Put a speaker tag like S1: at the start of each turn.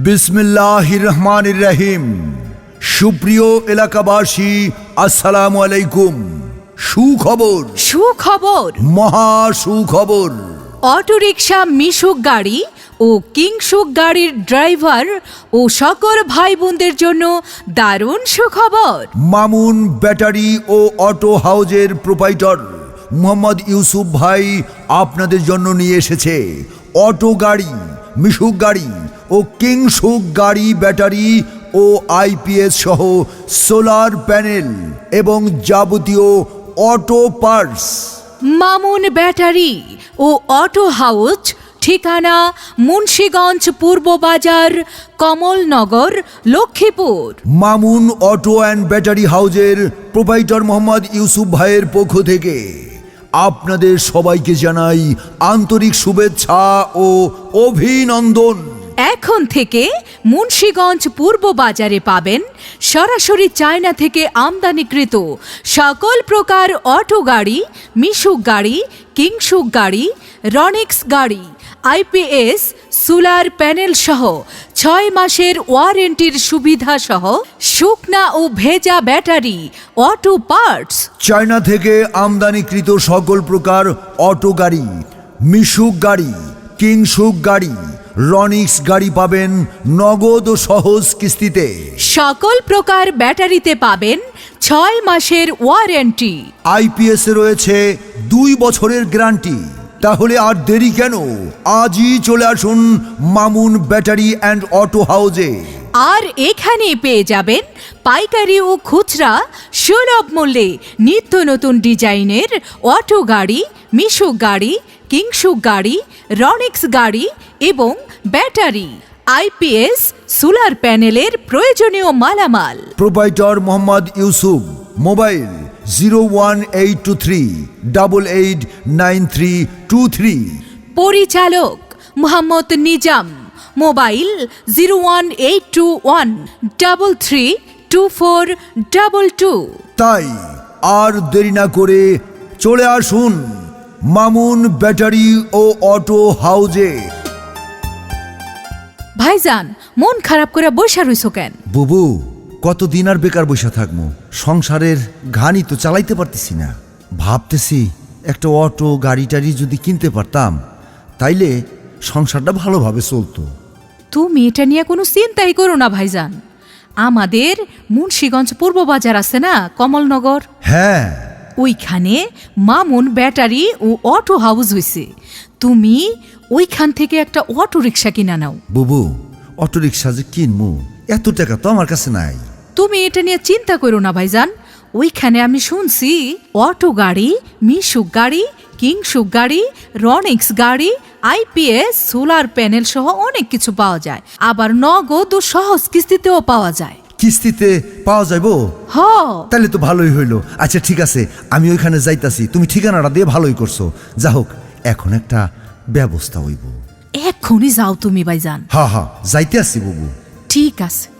S1: বিসমিল্লাহির রহমানির রহিম। সুপ্রিয় এলাকাবাসী, আসসালামু আলাইকুম। সুখবর,
S2: সুখবর,
S1: মহা সুখবর।
S2: অটোরিকশা মিশুক গাড়ি ও কিংশুক গাড়ির ড্রাইভার ও সকল ভাই বোনদের জন্য দারুণ সুখবর।
S1: মামুন ব্যাটারি ও অটো হাউজের প্রোপাইটর মোহাম্মদ ইউসুফ ভাই আপনাদের জন্য নিয়ে এসেছে অটো গাড়ি, মিশুক গাড়ি ও কিংশুক গাড়ি ব্যাটারি ও আইপিএস সহ সোলার প্যানেল এবং যাবতীয় অটো পার্টস।
S2: মামুন ব্যাটারি ও অটো হাউজ, ঠিকানা Munshiganj Purba Bazar, Kamalnagar, Lakshmipur.
S1: Mamun auto and battery হাউজের প্রোপাইটর মোহাম্মদ ইউসুফ ভাইয়ের পক্ষ থেকে আপনাদের সবাইকে জানাই আন্তরিক শুভেচ্ছা ও অভিনন্দন।
S2: এখন থেকে মুন্সিগঞ্জ পূর্ব বাজারে পাবেন সরাসরি চায়না থেকে আমদানিকৃত সকল প্রকার অটো গাড়ি, মিশুক গাড়ি, কিংশুক গাড়ি, রনিক্স গাড়ি, আইপিএস, সোলার প্যানেল সহ 6 মাসের ওয়ারেন্টির সুবিধা সহ শুকনা ও ভেজা ব্যাটারি, অটো পার্টস।
S1: চায়না থেকে আমদানিকৃত সকল প্রকার অটো গাড়ি, মিশুক গাড়ি, কিংশুক গাড়ি, রনিক্স গাড়ি পাবেন নগদ ও সহজ কিস্তিতে।
S2: সকল প্রকার ব্যাটারিতে পাবেন 6 মাসের ওয়ারেন্টি।
S1: আইপিএস এ রয়েছে 2 বছরের গ্যারান্টি। তাহলে আর দেরি কেন? আজই চলে আসুন মামুন ব্যাটারি অ্যান্ড অটো হাউজে।
S2: আর এখানে পেয়ে যাবেন পাইকারি ও খুচরা সুলভ মূল্যে নিত্য নতুন ডিজাইনের অটো গাড়ি, মিশুক গাড়ি, কিংশুক গাড়ি, রনিক্স গাড়ি এবং ব্যাটারি, আইপিএস, সোলার প্যানেলের প্রয়োজনীয় মালামাল।
S1: প্রোপাইটর মোহাম্মদ ইউসুফ। মোবাইল 01823889323।
S2: পরিচালক মোহাম্মদ নিজাম। মোবাইল 01821332422।
S1: তাই আর দেরি না করে চলে আসুন মামুন ব্যাটারি ও অটো হাউজে।
S2: ভাইজান, মন খারাপ করে বসে রইছো কেন?
S1: বুবু, কতদিন আর বেকার বসে থাকবো? সংসারের ঘানি তো চালাইতে পারতেছি না। ভাবতেছি একটা অটো গাড়ি টাড়ি যদি কিনতে পারতাম, তাইলে সংসারটা ভালোভাবে চলতো।
S2: তুমি এটা নিয়ে কোনো চিন্তাই করো না ভাইজান। আমাদের মুন্সিগঞ্জ পূর্ব বাজার আছে না, কমলনগর,
S1: হ্যাঁ,
S2: ওইখানে মামুন ব্যাটারি ও অটো হাউস হইছে। তুমি ওইখান থেকে একটা অটো রিক্সা কিনা নাও।
S1: বুবু, অটো রিক্সা যে কিনবো, এত টাকা তো আমার কাছে নাই।
S2: তুমি এটা নিয়ে চিন্তা করো না ভাইজান। ওইখানে আমি শুনছি অটো গাড়ি, মিশুক গাড়ি, কিংশুক গাড়ি, রনিক্স গাড়ি, আইপিএস, সোলার প্যানেল সহ অনেক কিছু পাওয়া যায়। আবার নগদ ও সহজ কিস্তিতেও পাওয়া যায়।
S1: কিস্তিতে পাওয়া যাইবো?
S2: হ,
S1: তাহলে তো ভালোই হইলো। আচ্ছা ঠিক আছে, আমি ওইখানে যাইতাছি। তুমি ঠিকানাটা দিয়ে ভালোই করছো। যা হোক, এখন একটা ব্যবস্থা হইব।
S2: এক্ষুনি যাও তুমি ভাইজান।
S1: হা হা, যাইতে আসছি বুবু।
S2: ঠিক আছে।